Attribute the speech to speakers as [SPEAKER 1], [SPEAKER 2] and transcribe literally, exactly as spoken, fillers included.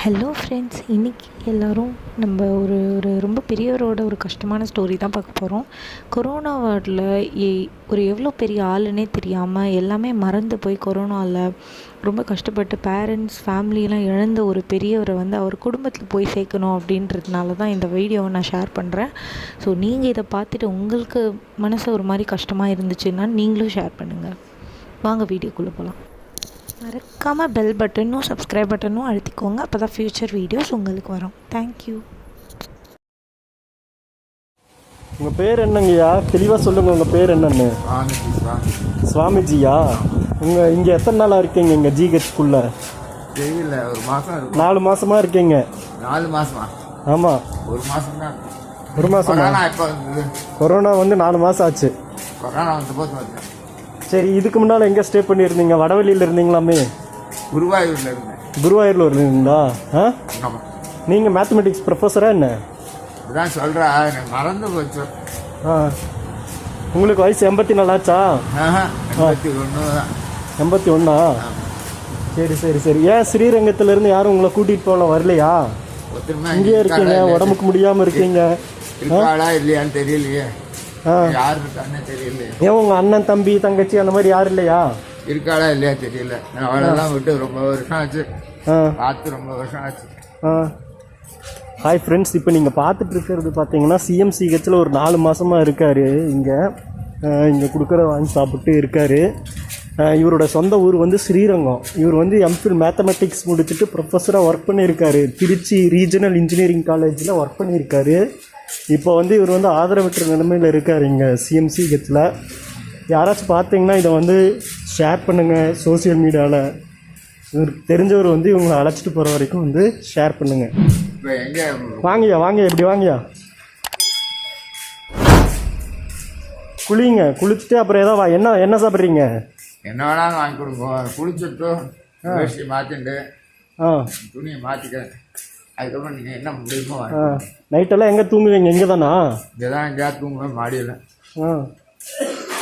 [SPEAKER 1] Hello friends, இன்றைக்கி எல்லோரும் நம்ம ஒரு ஒரு ரொம்ப பெரியவரோட ஒரு கஷ்டமான ஸ்டோரி தான் பார்க்க போகிறோம். கொரோனா வார்டில் ஏ ஒரு எவ்வளோ பெரிய ஆளுன்னே தெரியாமல் எல்லாமே மறந்து போய் கொரோனாவில் ரொம்ப கஷ்டப்பட்டு பேரண்ட்ஸ் ஃபேமிலியெலாம் இழந்த ஒரு பெரியவரை வந்து அவர் குடும்பத்தில் போய் சேர்க்கணும் அப்படின்றதுனால தான் இந்த வீடியோவை நான் ஷேர் பண்ணுறேன். ஸோ நீங்கள் இதை பார்த்துட்டு உங்களுக்கு மனசு ஒரு மாதிரி கஷ்டமாக இருந்துச்சுன்னா நீங்களும் ஷேர் பண்ணுங்கள். வாங்க வீடியோக்குள்ளே போகலாம். மறக்காமல் பெல் பட்டனும் சப்ஸ்கிரைப் பட்டனும் அழுத்திக்கோங்க. அப்போ தான் ஃப்யூச்சர் வீடியோஸ் உங்களுக்கு வரும். தேங்க்யூ.
[SPEAKER 2] உங்கள் பேர் என்னங்கய்யா? தெளிவாக சொல்லுங்கள், உங்கள் பேர் என்னன்னு. சுவாமிஜியா? உங்கள் இங்கே எத்தனை நாளாக இருக்கீங்க இங்கே ஜிஹெச்குள்ளே?
[SPEAKER 3] தெரியல, ஒரு மாதம்.
[SPEAKER 2] நாலு மாதமாக இருக்கீங்க?
[SPEAKER 3] நாலு மாதமா?
[SPEAKER 2] ஆமாம்,
[SPEAKER 3] ஒரு மாதம் தான்.
[SPEAKER 2] ஒரு மாதம்.
[SPEAKER 3] இப்போ வந்து
[SPEAKER 2] கொரோனா வந்து நாலு மாதம் ஆச்சு.
[SPEAKER 3] கொரோனா வந்து போது வந்தேன்.
[SPEAKER 2] சரி, இதுக்கு முன்னால் எங்கே ஸ்டே பண்ணியிருந்தீங்க? வடவழியில் இருந்தீங்களாமே?
[SPEAKER 3] குருவாயூரில் இருந்தேன்.
[SPEAKER 2] குருவாயூரில் இருந்தீங்களா? ஆ,
[SPEAKER 3] ஆமாம்.
[SPEAKER 2] நீங்கள் மேத்தமெட்டிக்ஸ் ப்ரொஃபஸரா என்ன?
[SPEAKER 3] இதுதான் சொல்கிறா, எனக்கு மறந்து போச்சு.
[SPEAKER 2] ஆ, உங்களுக்கு வயசு எண்பத்தி நாலாச்சா?
[SPEAKER 3] எண்பத்தி ஒன்று தான்.
[SPEAKER 2] எண்பத்தி ஒன்றா? சரி சரி சரி. ஏன் ஸ்ரீரங்கத்திலேருந்து யாரும் உங்களை கூட்டிகிட்டு போகல, வரலையா? இங்கேயே இருக்கீங்க, உடம்புக்கு முடியாமல் இருக்கீங்க.
[SPEAKER 3] இருக்காளா இல்லையான்னு தெரியலையே. யார் இருக்கான்னு தெரியல.
[SPEAKER 2] ஏன் உங்கள் அண்ணன் தம்பி தங்கச்சி அந்த மாதிரி யாரும் இல்லையா?
[SPEAKER 3] இருக்காளா இல்லையா தெரியல. நான் அவளெல்லாம் விட்டு ரொம்ப வருஷம் ஆச்சு. பார்த்து ரொம்ப வருஷம் ஆச்சு.
[SPEAKER 2] ஆ, ஹாய் ஃப்ரெண்ட்ஸ், இப்போ நீங்கள் பார்த்துட்டு இருக்கிறது பார்த்தீங்கன்னா சிஎம்சிஹெச்சில் ஒரு நாலு மாதமாக இருக்கார். இங்கே இங்கே கொடுக்குற வாங்கி சாப்பிட்டு இருக்கார். இவரோட சொந்த ஊர் வந்து ஸ்ரீரங்கம். இவர் வந்து எம்ஃபில் மேத்தமெட்டிக்ஸ் முடிச்சுட்டு ப்ரொஃபஸராக ஒர்க் பண்ணியிருக்காரு. திருச்சி ரீஜனல் இன்ஜினியரிங் காலேஜில் ஒர்க் பண்ணியிருக்காரு. இப்போ வந்து இவர் வந்து ஆதரவற்ற நிலைமையில் இருக்கார் இங்கே சிஎம்சிஹெச்சில். யாராச்சும் பார்த்தீங்கன்னா இதை வந்து ஷேர் பண்ணுங்கள் சோசியல் மீடியாவில். இவருக்கு தெரிஞ்சவர் வந்து இவங்களை அழைச்சிட்டு போகிற வரைக்கும் வந்து ஷேர் பண்ணுங்கள். வாங்கய்யா வாங்கய்யா, இப்படி வாங்கய்யா, குளிங்க. குளிச்சுட்டு அப்புறம் ஏதோ வா. என்ன என்ன சாப்பிட்றீங்க?
[SPEAKER 3] என்ன வேணாலும் வாங்கி கொடுப்போம். குளிச்சுட்டு வேஷ்டி மாற்றிட்டு
[SPEAKER 2] ஆ
[SPEAKER 3] துணியை மாற்றிக்கிறேன். அதுக்கப்புறம் நீங்கள் என்ன முடியுமோ.
[SPEAKER 2] நைட்டெல்லாம் எங்கே தூங்குவீங்க? இங்கே தானா?
[SPEAKER 3] இங்கே தான் எங்கேயா தூங்குவேன், மாடியில்.
[SPEAKER 2] ஆ